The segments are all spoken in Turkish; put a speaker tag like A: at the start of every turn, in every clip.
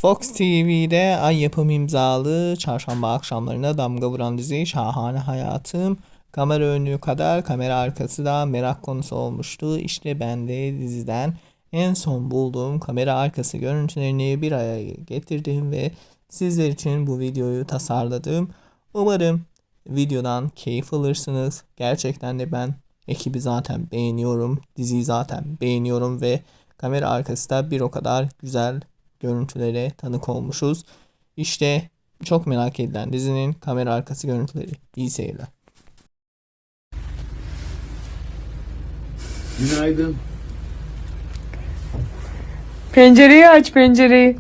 A: Fox TV'de Ay Yapım imzalı çarşamba akşamlarına damga vuran dizi Şahane Hayatım kamera önü kadar kamera arkası da merak konusu olmuştu. İşte ben de diziden en son bulduğum kamera arkası görüntülerini bir araya getirdim ve sizler için bu videoyu tasarladım. Umarım videodan keyif alırsınız. Gerçekten de ben ekibi zaten beğeniyorum. Diziyi zaten beğeniyorum ve kamera arkası da bir o kadar güzel görüntülere tanık olmuşuz. İşte çok merak edilen dizinin kamera arkası görüntüleri. İyi seyirler.
B: Günaydın.
C: Pencereyi aç, pencereyi.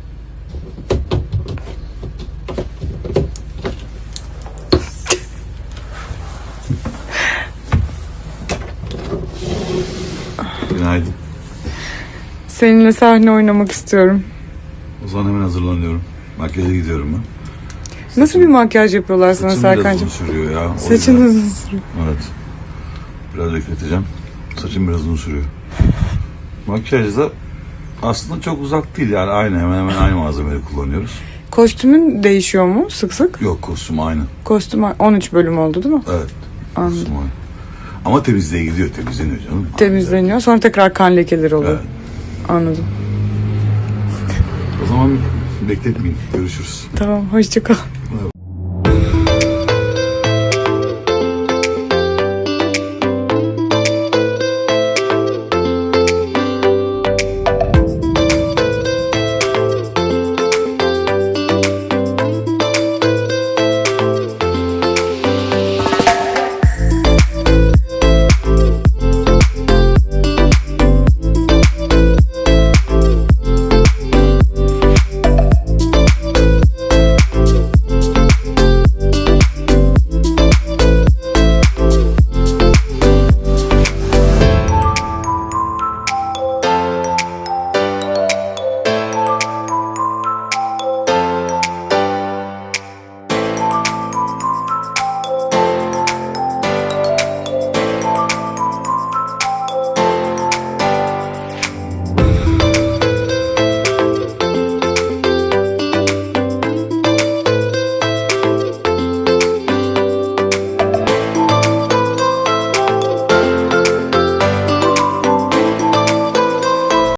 B: Günaydın.
C: Seninle sahne oynamak istiyorum.
B: O zaman hemen hazırlanıyorum. Makyaja gidiyorum ben.
C: Nasıl bir makyaj yapıyorlar sana
B: Saçım biraz
C: Serkan'cığım?
B: uzun sürüyor ya. o
C: Saçın
B: yüzden.
C: uzun sürüyor.
B: Evet. Biraz bekleteceğim. Saçım biraz uzun sürüyor. Makyaj da aslında çok uzak değil yani aynı hemen hemen aynı malzemeleri kullanıyoruz.
C: Kostümün değişiyor mu sık sık?
B: Yok kostüm aynı.
C: Kostüm 13 bölüm oldu değil mi?
B: Evet.
C: Anladım.
B: Kostüm aynı. Ama temizliğe gidiyor, temizleniyor canım.
C: Temizleniyor. Sonra tekrar kan lekeleri oluyor.
B: Evet.
C: Anladım.
B: O zaman bekletmeyin. Görüşürüz.
C: Tamam, hoşça kal.